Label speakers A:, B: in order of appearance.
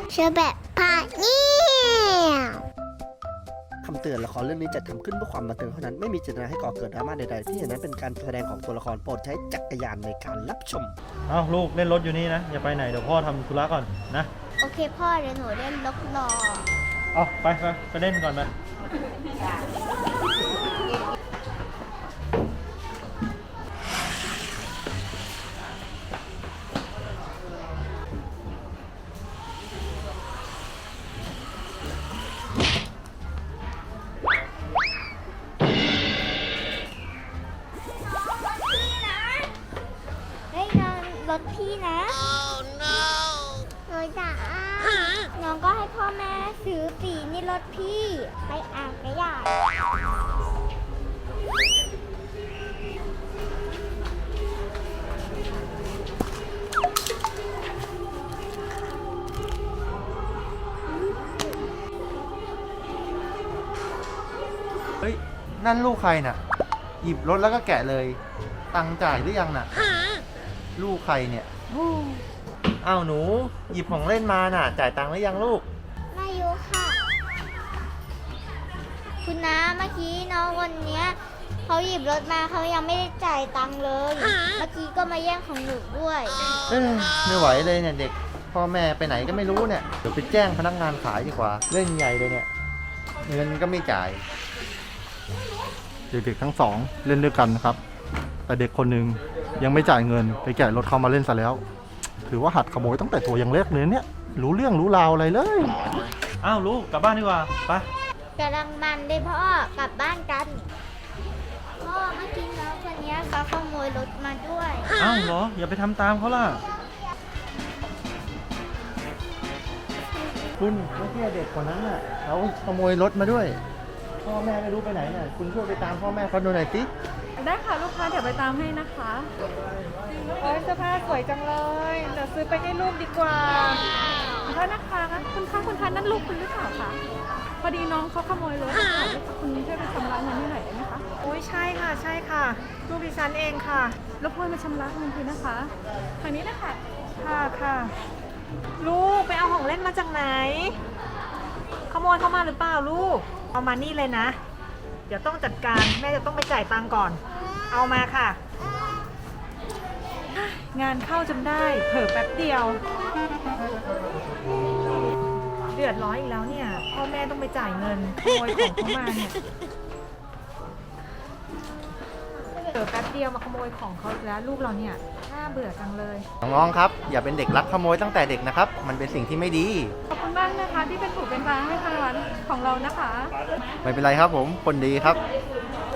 A: เชื่อแบบพาเนี่ย
B: คำเตือนละครเรื่องนี้จัดทำขึ้นเพื่อความบันเทิงเท่านั้นไม่มีเจตนาให้ก่อเกิดดราม่าใดๆที่เห็นนั้นเป็นการแสดงของตัวละครโปรดใช้จักรยานในการรับชม
C: เอาลูกเล่นรถอยู่นี่นะอย่าไปไหนเดี๋ยวพ่อทำธุระก่อนนะ
A: โอเคพ่อเดี๋ยวหนูเล่นล็อกล้อ
C: เอาไปเล่นก่อนไป
A: เฮ้ยน้องรถพี่นะ น้อยจ๋าน้องก็ให้พ่อแม่ซื้อปีนี่รถพี่ไปอ่างกระยาด
D: เฮ้ยนั่นลูกใครน่ะ หยิบรถแล้วก็แกะเลย ตังค์จ่ายหรือยังน่ะ ลูกใครเนี่ยอ้าวหนู หยิบของเล่นมาน่ะ จ่ายตังค์หรือยังลูก
A: มาอยู่ค่ะ คุณน้าเมื่อกี้น้องคนเนี้ยเขาหยิบรถมาเขายังไม่ได้จ่ายตังค์เลย เมื่อกี้ก็มาแย่งของหนูด้วย
D: เอ้ยไม่ไหวเลยเนี่ยเด็ก พ่อแม่ไปไหนก็ไม่รู้เนี่ย เดี๋ยวไปแจ้งพนักงานขายดีกว่า เล่นใหญ่เลยเนี่ย เงินก็ไม่จ่าย
E: เด็กๆทั้งสองเล่นด้วยกันนะครับ แต่เด็กคนหนึ่งยังไม่จ่ายเงินไปแกะรถเขามาเล่นซะแล้ว ถือว่าหัดขโมยตั้งแต่ตัวยังเล็กเลยเนี่ยรู้เรื่องรู้ราวอะไรเลย
C: อ้าวลูกกลับบ้านดีกว่าไป
A: กำลังมันเลยพ่อกลับบ้านกัน พ่อเมื่อกี้น้องคนเนี้ยเขาขโมยรถมาด้วย
C: อ้าวเหรออย่าไปทำตามเขาล่ะ
D: คุณเมื่อกี้เด็กคนนั้นน่ะเขาขโมยรถมาด้วย พ่อแม่ไม่รู้ไปไหนน่ะ คุณช่วยไปตามพ่อแม่เขาดูหน่อยสิ
F: ได้ค่ะลูกค้าเดี๋ยวไปตามให้นะคะโอ้ยเสื้อผ้าสวยจังเลยเดี๋ยวซื้อไปให้ลูกดีกว่าขอโทษนะคะคุณคะนั่นลูกคุณหรือเปล่าคะพอดีน้องเขาขโมยรถค่ะคุณช่วยไปชำระเงินให้หน่อยได้ไหมคะ
G: โอ้ยใช่ค่ะลูกดิฉันเองค่ะ
F: รบกวนมาชำระเงินทีนะคะทางนี้นะคะ
G: ค่ะ ลูกไปเอาของเล่นมาจากไหน ขโมยเข้ามาหรือเปล่าลูก เอามานี่เลยนะ เดี๋ยวต้องจัดการแม่จะต้องไปจ่ายตังค์ก่อน เอามาค่ะ งานเข้าจนได้เผลอแป๊บเดียว เดือดร้อนอีกแล้วเนี่ยพ่อแม่ต้องไปจ่ายเงินขโมยของเขามาเนี่ยเผลอแป๊บเดียวมาขโมยของเขาอีกแล้วลูกเราเนี่ยน่าเบื่อจังเลย
D: น้องๆครับ อย่าเป็นเด็กลักขโมยตั้งแต่เด็กนะครับ มันเป็นสิ่งที่ไม่ดี
F: ขอบคุณมากนะคะที่เป็นถูกเป็นทางให้ทางร้านของเรานะคะ
D: ไม่เป็นไรครับผม คนดีครับ